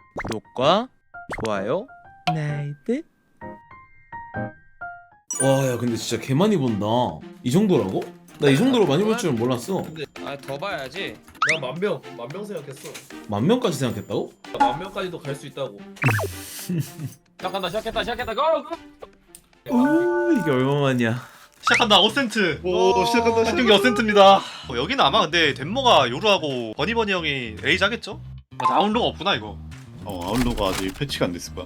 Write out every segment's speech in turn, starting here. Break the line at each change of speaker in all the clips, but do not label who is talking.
구독과 좋아요 나이트.
와, 야, 근데 진짜 개 많이 본다. 이 정도라고? 나 이 정도로 많이 볼 줄은 몰랐어.
아 더 봐야지.
나 만명 생각했어.
10,000명까지 생각했다고?
나 10,000명까지도 갈 수 있다고.
시작했다 고!
이게 얼마만이야.
시작한다. 어센트.
오, 시작한다.
한 경기 어센트입니다. 여기는 아마 근데 덴모가 요루하고 버니버니 형이 레이즈 하겠죠? 맞아, 아웃로가 없구나 이거.
아웃로가 아직 패치가 안 됐을 거야.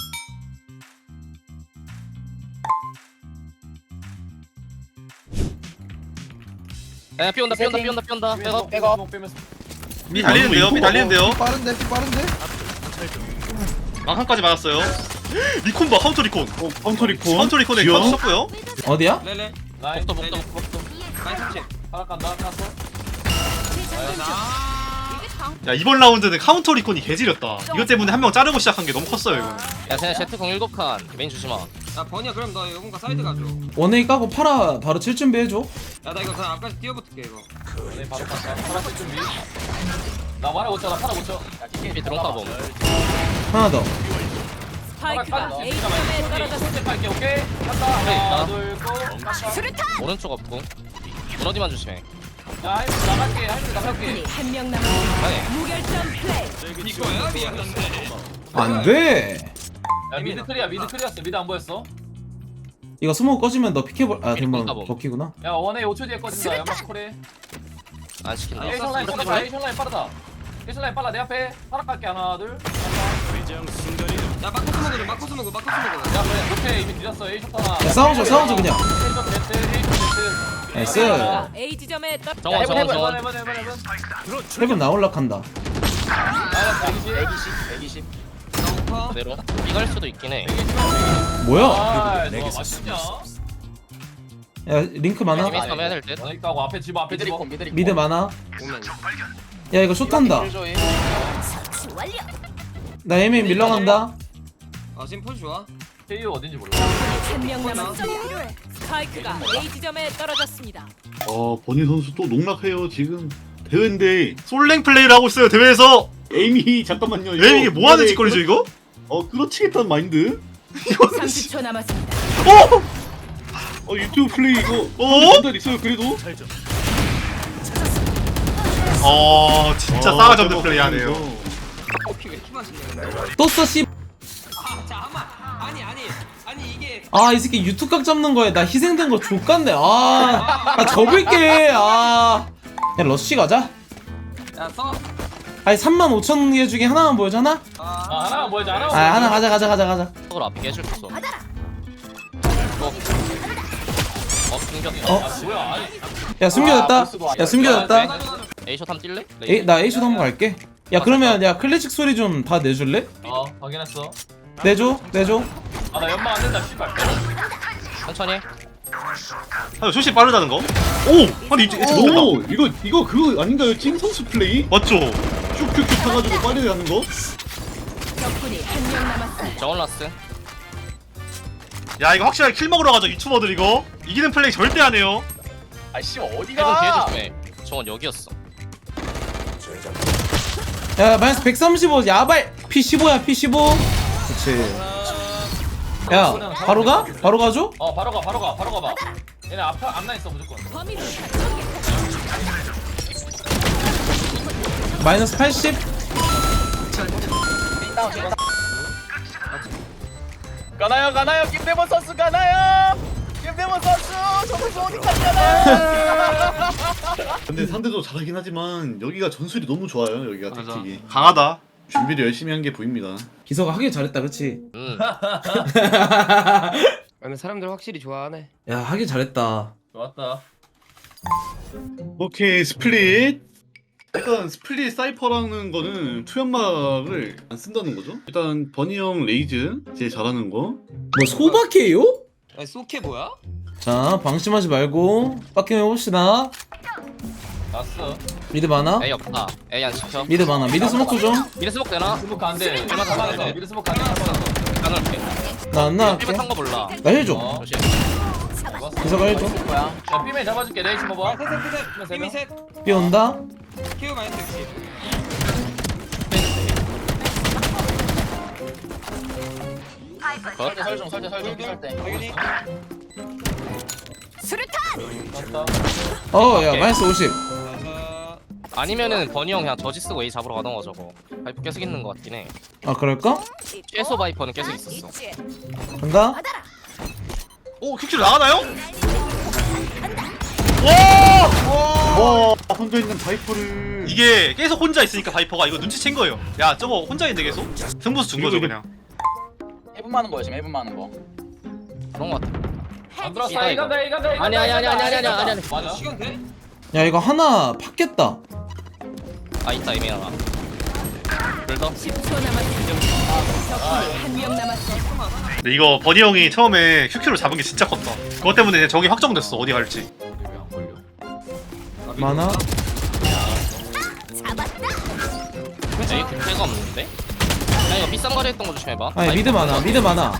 야 삐온다 백업.
미 달리는데요. 미 달리는데요.
빠른데.
망상까지 맞았어요. 리콘 봐. 카운터 리콘.
카운터 리콘.
카운터 리콘에
귀여워.
카운터 썼고요.
어디야?
레레. 복도. 라인 30. 하나 깐다. 깠어.
야, 이번 라운드는 카운터 리콘이 개지렸다. 이것 때문에 한 명 자르고 시작한 게 너무 컸어요 이거는.
야 쟤네 제트공 7칸. 메인 주지 마. 야 버니야 그럼 너 이거 사이드 가줘.
원웨이 까고 팔아 바로 칠 준비해줘.
야 나 이거 그냥 아까 뛰어붙을게 이거.
바로 갔다. 파라 칠 준비. 나 말해 못 쳐. 나 파라 못 쳐. 야,
삐 드론가 봄.
하나 더.
스파이크가 A점에 떨어졌습니다.
빨게 오케이. 간다. 하나 둘 고.
오른쪽 없고. 무너지만 조심해.
야 할미 나갈게. 할미 나갈게.
적군이 한 명 남았습니다.
아니.
무결점 플레이.
이거야 미안한데.
안 돼.
야 미드 클리어 미드 안 보였어?
이거 스모그 꺼지면 너 피케볼
이리콘
된번
까보.
버키구나.
야 원에 5초 뒤에 꺼진다. 연막 콜에.
안 시킨다.
에이션 라인 빠르다. 에이션 라인 빠르다. 에이션 라인 빨라. 내 앞에 하나 갈게. 하나 둘.
야 마커스 먹어.
야 그래. 오케이 이미 뒤졌어. 에이션 하나.
야, 싸워줘 그냥.
에이션 데스.
나이스.
스파이크가 A 지점에 떨어.
정원.
해본.
헤븐 나올락한다.
아 120.
그대로. 이갈 수도 있긴 해.
뭐야?
아 맛있냐?
야, 링크 많아?
이미 3 해야 될 듯.
원에 있다고 앞에 집어.
미드 많아?
오면.
야, 이거 숏한다. 나 에이메인 밀러간다.
아 지금 포즈 좋아.
KO 어딘지 몰라.
한 명 남았습니다. 스파이크가 A 지점에 떨어졌습니다.
버니 선수 또 농락해요 지금. 대회인데
솔랭 플레이를 하고 있어요 대회에서.
에임이 잠깐만요.
왜 이게 뭐 하는 짓거리죠 이거?
끌어치겠다는 마인드.
30초 남았습니다.
유튜브 플레이 이거 전달 있어요 그래도.
진짜 싸가지 없는 플레이 하네요.
커피 왜 이렇게 맛있냐.
또 써, 씨.
잠깐만. 아니 이게.
아, 이 새끼 유튜브 각 잡는 거에 나 희생된 거 족같네. 나 접을게. 야, 러쉬 가자.
야 써.
아니, 35,000개 중에 하나만 보여잖아?
아 하나만 보여줘.
하나 가자.
속으로 앞에 깨줄 수 있어. 숨겼다.
뭐야? 아니.
야, 숨겨졌다.
A샷 한번 뛸래?
나 A쇼 한번 갈게. 야, 그러면 야 클래식 소리 좀 다 내줄래?
확인했어.
내줘.
아 나 연막 안 된다. 씨발.
천천히 해.
조심 빠르다는 거. 오, 아니 이제 됐다.
오 이거 그거 아닌가요? 찐 선수 플레이?
맞죠?
슉슉슉 타가지고 빠르게 가는 거?
적군이 한 명 남았습니다.
정원 라스.
야 이거 확실하게 킬 먹으러 가죠 유튜버들 이거. 이기는 플레이 절대 안 해요.
아씨
해본 뒤에
어디가?
조심해. 정원 여기였어.
야, 마이너스 135 야발. P15야, P15. 그치. 야, 바로 가? 바로 가줘?
바로 가. 얘네 앞나 있어 무조건.
범위를
마이너스 80.
가나요. 김대범 선수 가나요. 김대범 선수 정말 어디까지 가나요?
근데 상대도 잘하긴 하지만 여기가 전술이 너무 좋아요. 여기가
맞아.
택틱이
강하다.
준비를 열심히 한 게 보입니다.
기서가 하길 잘했다, 그치?
근데 사람들 확실히 좋아하네.
야, 하길 잘했다.
좋았다.
오케이 스플릿. 일단 스플릿 사이퍼라는 거는 투연막을 안 쓴다는 거죠. 일단 버니 형 레이즈 제일 잘하는 거.
뭐 소박해요?
야 소케 뭐야?
자, 방심하지 말고 빡김 해봅시다.
났어.
미드 많아?
A 없다. A 안 시켜.
미드 많아. 미드 스모크 좀.
미드 스모크 되나?
스모크 안 돼.
얼마 더
잡아놨어.
돼?
미드 스모크 안 돼.
안 올게.
나 안 나갈게.
삐끗 한거 몰라.
나 힐 줘.
조심.
기서가 힐 줘.
야 삐맨 잡아줄게. 레이시 봐봐.
힘이 셋.
삐 온다.
키우 마이너스 60.
설정 설때.
수류탄.
어, 야, 마이너스 50.
아니면은 버니 형 그냥 저지 쓰고 A 잡으러 가던가 저거. 바이퍼 계속 있는 것 같긴 해.
아, 그럴까?
최소 바이퍼는 계속 있었어.
간다?
오 퀵킬 나가나요?
와 혼자 있는 바이퍼를
이게 계속 혼자 있으니까 바이퍼가 이거 눈치챈 거예요. 야 저거 혼자 있는데 계속 승부수 준 거죠 그냥.
해분 많은 거야 지금 해분 많은 거.
그런 것 같아.
안 들었어.
이거.
이간다.
아니.
맞아.
야, 이거 하나 팠겠다.
아 있다 이메일 하나. 불더.
10초 남았습니다. 적군이 한 명 남았어.
근데 이거 버니 형이 처음에 큐큐를 잡은 게 진짜 컸다. 그것 때문에 저기 확정됐어 어디 갈지.
많아?
A 굴패가 없는데? 야 이거 비싼 거리 했던 거 조심해봐.
아니, 미드 많아, 미드 많아.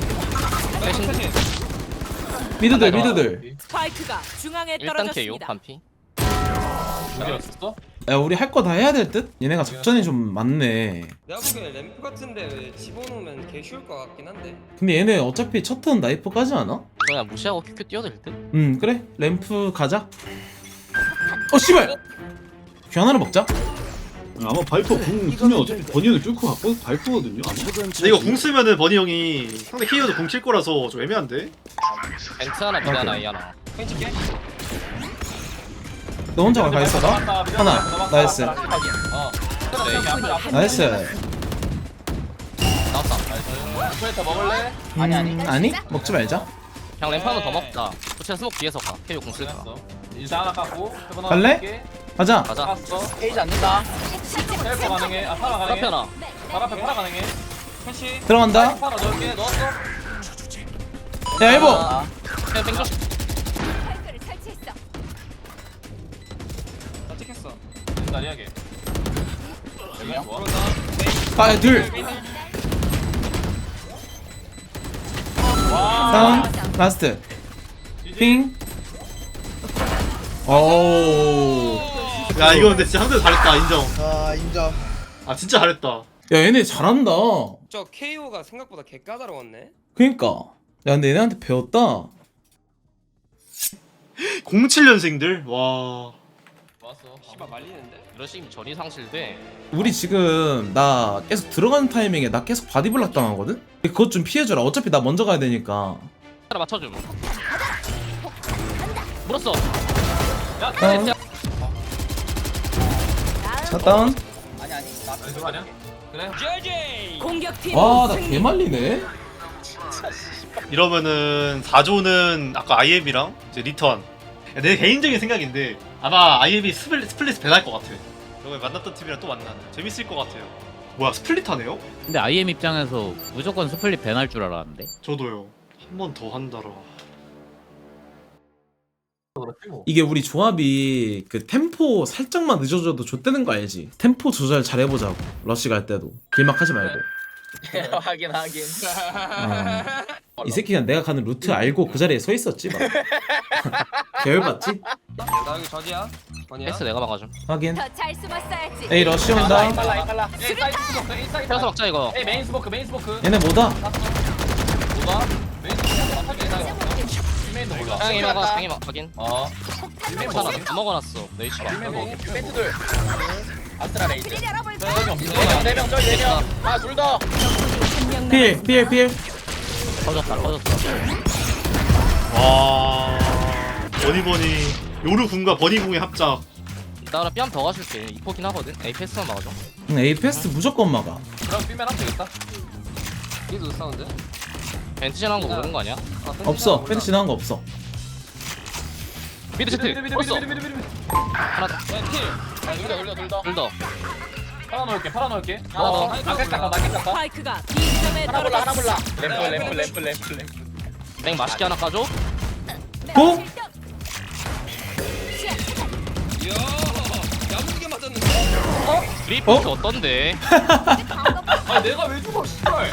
미드들, 미드들.
스파이크가 중앙에
1단 KO
떨어졌습니다.
반피.
죽였었어?
야, 우리 할 거 다 해야 될 듯? 얘네가 작전이 좀 많네.
내가 보기엔 램프 같은데 집어넣으면 개 쉬울 것 같긴 한데.
근데 얘네 어차피 첫 턴 나이프까지 않아?
그냥 무시하고 큐큐 뛰어들 듯?
그래. 램프 가자. 어, 씨발! 큐 하나를 먹자.
아마 바이퍼 궁 쓰면 어차피 버니 형이 뚫고 갖고 바이퍼거든요. 아마.
근데 이거 궁 쓰면은 버니 형이 상대 키어도 궁 킬 거라서 좀 애매한데.
벤트 하나 미드 하나 A 하나.
너 혼자 가 있어, 나? 하나. 나이스.
어.
나이스.
나왔다.
스프레터 먹을래?
아니? 먹지 말자.
그냥 램프 하나 더 먹자. 도체 스모크 뒤에서 가. KO 공 쓸까?
됐어. 일단 하나 깎고. 해본 하나
갈래?
깎게.
가자.
가자.
깎았어. 페이지 않는다. 헬퍼 가능해. 아 파라 가능해.
카페나.
파라 앞에 파라 가능해. 캐시.
들어간다.
파라 넣을게. 넣었어.
야, 일보.
그냥 땡겨.
스파이크를 설치했어.
나 찍혔어.
다리하게. 여기야? 뭐?
아, 둘. 다운. 라스트. 핑. 오.
야 이거 근데 진짜 상대 잘했다 인정.
아 인정.
아 진짜 잘했다.
야, 얘네 잘한다.
저 KO가 생각보다 개 까다로웠네.
그니까. 야, 근데 얘네한테 배웠다.
07년생들 와.
좋았어.
씨발 말리는데.
이런 식이면 전이 상실돼.
우리 지금 나 계속 들어가는 타이밍에 나 계속 바디블락 당하거든? 그것 좀 피해줘라. 어차피 나 먼저 가야 되니까.
하나 맞춰줌. 물었어.
야,
다운.
캐시.
자, 다운.
이거 아니야? 그래.
공격팀
와, 나
승리.
개말리네.
이러면은 4조는 아까 IM이랑 이제 리턴. 야, 내 개인적인 생각인데 아마 IM이 스플릿 배날 것 같아. 저번에 만났던 팀이랑 또 만나는. 재밌을 것 같아요. 뭐야 스플릿 하네요?
근데 IM 입장에서 무조건 스플릿 밴할 줄 알았는데.
저도요. 한 번 더 한다라.
이게 우리 조합이 그 템포 살짝만 늦어져도 좆되는 거 알지? 템포 조절 잘 해보자고. 러쉬 갈 때도 길막하지 말고.
하긴.
이 새끼가 내가 가는 루트 알고 그 자리에 서 있었지 막. 계열받지?
나 여기 저지야. 번이야.
패스 내가 막아줌.
확인.
더 잘 숨었어야지.
에이, 러쉬 온다.
빨라. 에이 사이드 스모크. 에이 사이드.
패스 막자 이거.
에이 메인 스모크.
얘네 뭐다?
뭐가? 메인 스모크 맞아. 메인도 몰라.
상이 막아. 상이 막 확인.
메인
하나 다 먹어놨어. 네이치 봐.
벤트들. 아스트라 레이즈.
길을 열어볼까?
네명 저기 4명. 아둘 더.
한명
필.
터졌다.
와. 버니버니 요루 궁과 버니 궁의 합작.
나 그럼 뺨 더 가줄게. 이포긴 하거든. A 패스만 막아줘.
A 패스트 무조건 막아.
그럼 삐면 하면 되겠다.
얘도 사운드.
벤트 지나는 거 모르는 거 아니야?
없어. 패스 지나간 거 없어.
미드 제트. 벌써. 하나 더.
둘 더.
둘 더.
팔아 넣을게.
하나 더.
나 깼다.
스파이크가 B점에
하나
떨어졌습니다.
몰라. 램프.
땡 맛있게 하나 까줘.
고!
이야. 야무지게 맞았는데.
드리 포트 어떤데?
아 내가 왜 죽어 씨발.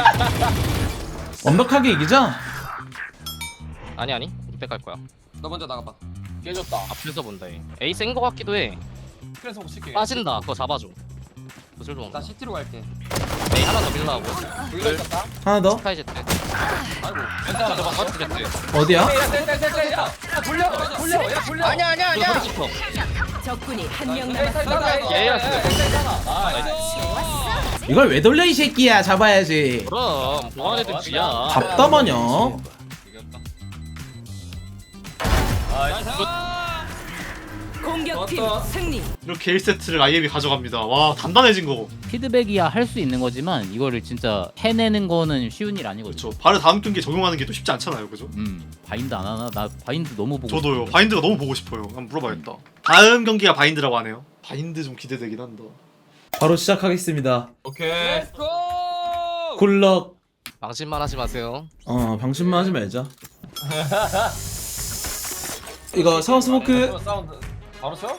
완벽하게 이기자.
아니. 이때 갈 거야.
너 먼저 나가봐.
깨졌다.
앞에서 본다. A 센 거 같기도 해.
그래서 못 칠게.
빠진다. 그거 잡아줘. 구슬 좀
나 CT로 갈게.
메이 하나 더 밀라고
불가 있었다.
하나 더?
스카이 제트
아이고.
괜찮아 저거 버스 제트
어디야?
야, 돌려. 야, 돌려. 아니야.
이거 버스 짚어
적군이 한 명 남았습니다.
예였어
이걸 왜 돌려 이 새끼야. 잡아야지.
그럼 보안 애들 쥐야
답답하냐?
공격팀 승리.
이렇게 1세트를 IM이 가져갑니다. 와 단단해진 거.
피드백이야 할 수 있는 거지만 이거를 진짜 해내는 거는 쉬운 일 아니거든요.
그렇죠. 바로 다음 경기에 적용하는 게 또 쉽지 않잖아요, 그죠?
바인드 안 하나? 나 바인드 너무 보고
저도요.
싶은데.
바인드가 너무 보고 싶어요. 한번 물어봐야겠다. 다음 경기가 바인드라고 하네요. 바인드 좀 기대되긴 한다.
바로 시작하겠습니다.
오케이.
렛츠고.
굴럭.
방심만 하지 마세요
방심만 하지 말자. 이거 샤워 스모크.
사운드 바로 쳐?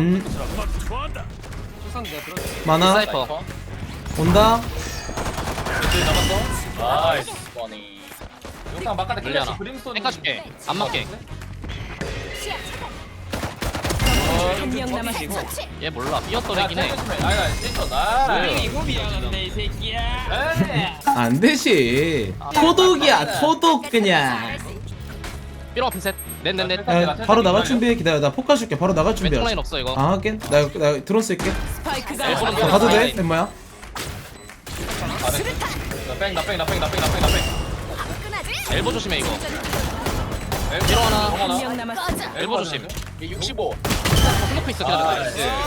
출산 내가 들었지.
많아.
사이퍼
온다.
나이스 버니 용상 막간에
물려놔.
클래시 브림스톤
땡까줄게 안 맞게
한 명 남았습니다.
얘 몰라 삐었더래긴 해
아니다 센터 나
이거 미안한데 이 새끼야.
안 되지. 토독이야 토독 그냥.
삐롱 앞에 셋 넷넷넷
야, 바로 나갈 준비해. 기다려. 나 폭 가줄게. 바로 나갈
왼쪽
준비해.
라인 없어 이거
아 하긴. 나 드론 쓸게.
스파이크가
일본은
나 가도 돼? 엠마야?
나뺑
엘보 조심해 이거 삐롱 하나
한 명 남았습니다.
엘보 조심
65
스모크 있어 기다려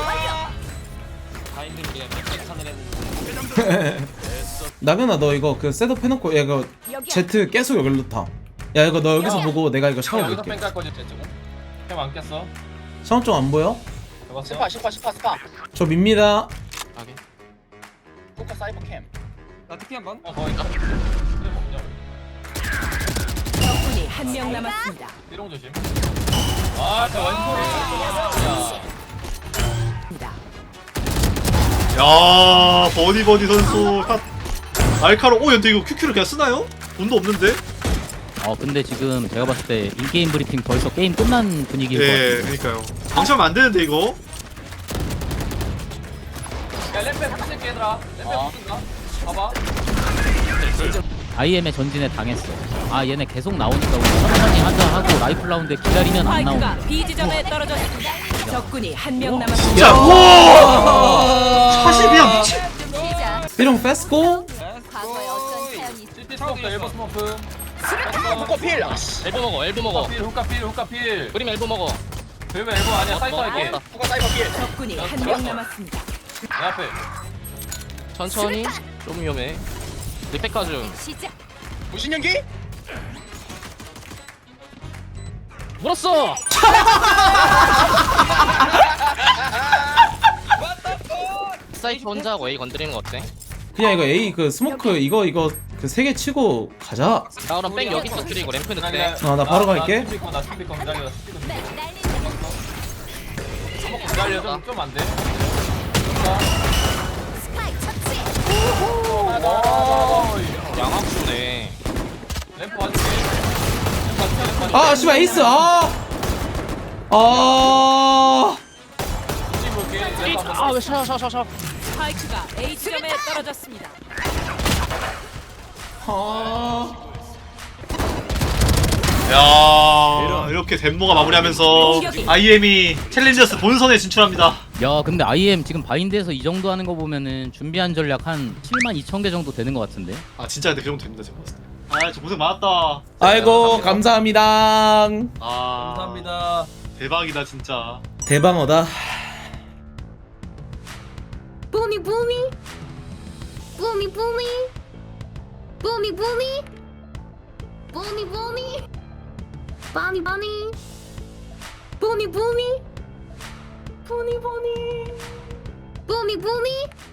바인드를 우리가 몇개 찬을 했는데.
나경아 너 이거 그 셋업 해놓고 야 이거 제트 계속 여기로 타. 야 이거 너 여기서 보고 내가 이거 샤워
여기서
볼게.
뺑깔 거지 지금 캠안 꼈어
샤워 좀 안 보여?
스파
저 밉니다.
하긴
포카 사이버 캠
나 특히 한번.
거기 있다
적군이 한 명 남았습니다.
삐롱 조심 아저 원소리
야 버디 선수 샷. 알카로. 오 근데 이거 QQ를 그냥 쓰나요? 돈도 없는데.
근데 지금 제가 봤을 때 인게임 브리핑 벌써 게임 끝난 분위기인 것
예,
같아요.
그러니까요. 방심하면 안 되는데 이거.
야 램페 붙일게 얘들아 램페 붙인다 봐봐
IM의 전진에 당했어. 얘네 계속 나오니까 우리 천천히 하자 하고 라이플 라운드에 기다리면 안
스파이크가
나오네.
B 지점에 떨어졌습니다. 적군이 한 명
야,
남았습니다.
와!
40이야 미친.
삐롱 패스고.
CT 스모크 엘보 스모크
엘보 먹어
후카 필
그림 엘보 먹어
그러면 엘보 아니야 사이퍼 할게
적군이 한 명 남았습니다.
내 앞에
천천히 좀 위험해 리팩까지
무신연기?
물었어 사이트 혼자 하고 A 건드리는 거 어때?
그냥 이거 A 그 스모크 이거 그 세 개 치고 가자.
나 그럼 백 여기 터뜨리고 램프 넣게
나 바로 갈게.
나 준비 거 기다려 기다려 좀 안돼
양악수네
램프 와줄게
아 씨발 에이스.
뒤집 볼게 램프 한번
아왜 샤
스파이크가 A 지점에 떨어졌습니다.
야 이렇게 덴모가 마무리하면서 IM이 챌린저스 본선에 진출합니다.
야 근데 IM 지금 바인드에서 이 정도 하는 거 보면은 준비한 전략 한 72,000개 정도 되는 것 같은데.
아 진짜 근데 그 정도 됩니다 제가 봤을 때. 아저 고생 많았다.
아이고 감사합니다.
아
감사합니다
대박이다 진짜.
대방어다.
Boomy boomy, boomy boomy, boomy boomy, boomy boomy, bunny bunny, boomy boomy, boomy boomy, boomy boomy.